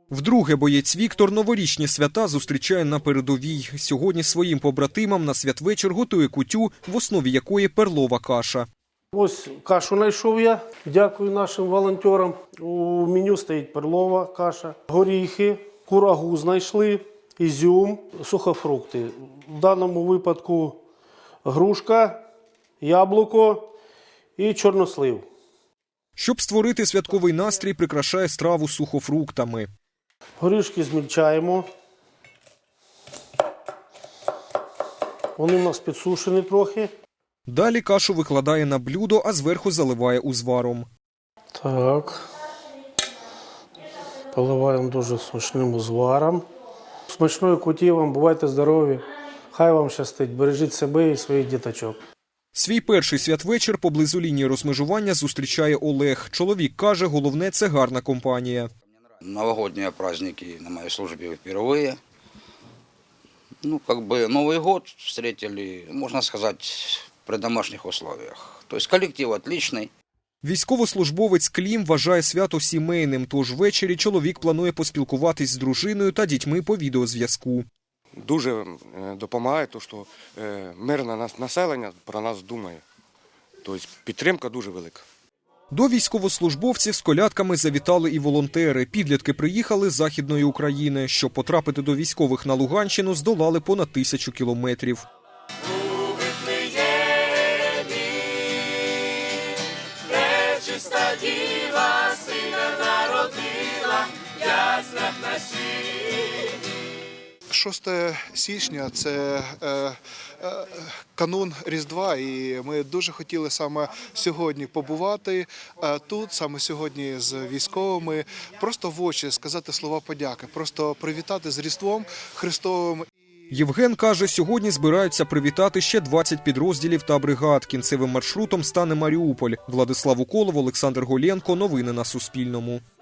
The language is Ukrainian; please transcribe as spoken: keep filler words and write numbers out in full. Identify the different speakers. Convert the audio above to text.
Speaker 1: Вдруге боєць Віктор новорічні свята зустрічає на передовій. Сьогодні своїм побратимам на святвечір готує кутю, в основі якої перлова каша.
Speaker 2: Ось кашу знайшов я. Дякую нашим волонтерам. У меню стоїть перлова каша, горіхи, курагу знайшли, ізюм, сухофрукти. В даному випадку грушка, яблуко і чорнослив.
Speaker 1: Щоб створити святковий настрій, прикрашає страву сухофруктами.
Speaker 2: Горішки змільчаємо. Вони в нас підсушені трохи.
Speaker 1: Далі кашу викладає на блюдо, а зверху заливає узваром.
Speaker 2: Так. Поливаємо дуже смачним узваром. Смачної куті вам, бувайте здорові. Хай вам щастить. Бережіть себе і своїх діточок.
Speaker 1: Свій перший святвечір поблизу лінії розмежування зустрічає Олег. Чоловік каже, головне – це гарна компанія.
Speaker 3: Новогодние праздники на моей службе впервые. Ну, как бы Новый год встретили, можно сказать, при домашних условиях. То есть коллектив отличный.
Speaker 1: Військовослужбовець Клім вважає свято сімейним, тож ввечері чоловік планує поспілкуватись з дружиною та дітьми по відеозв'язку.
Speaker 4: Дуже допомагає, то, що мирне населення про нас думає. Тобто підтримка дуже велика.
Speaker 1: До військовослужбовців з колядками завітали і волонтери. Підлітки приїхали з Західної України. Щоб потрапити до військових на Луганщину, здолали понад тисячу кілометрів.
Speaker 5: У Вифлеємі пречиста діва сина народила, в яслах на сіні.
Speaker 6: шостого січня – це е, е, канун Різдва, і ми дуже хотіли саме сьогодні побувати е, тут, саме сьогодні з військовими, просто в очі сказати слова подяки, просто привітати з Різдвом Христовим.
Speaker 1: Євген каже, сьогодні збираються привітати ще двадцять підрозділів та бригад. Кінцевим маршрутом стане Маріуполь. Владислав Уколов, Олександр Голенко. Новини на Суспільному.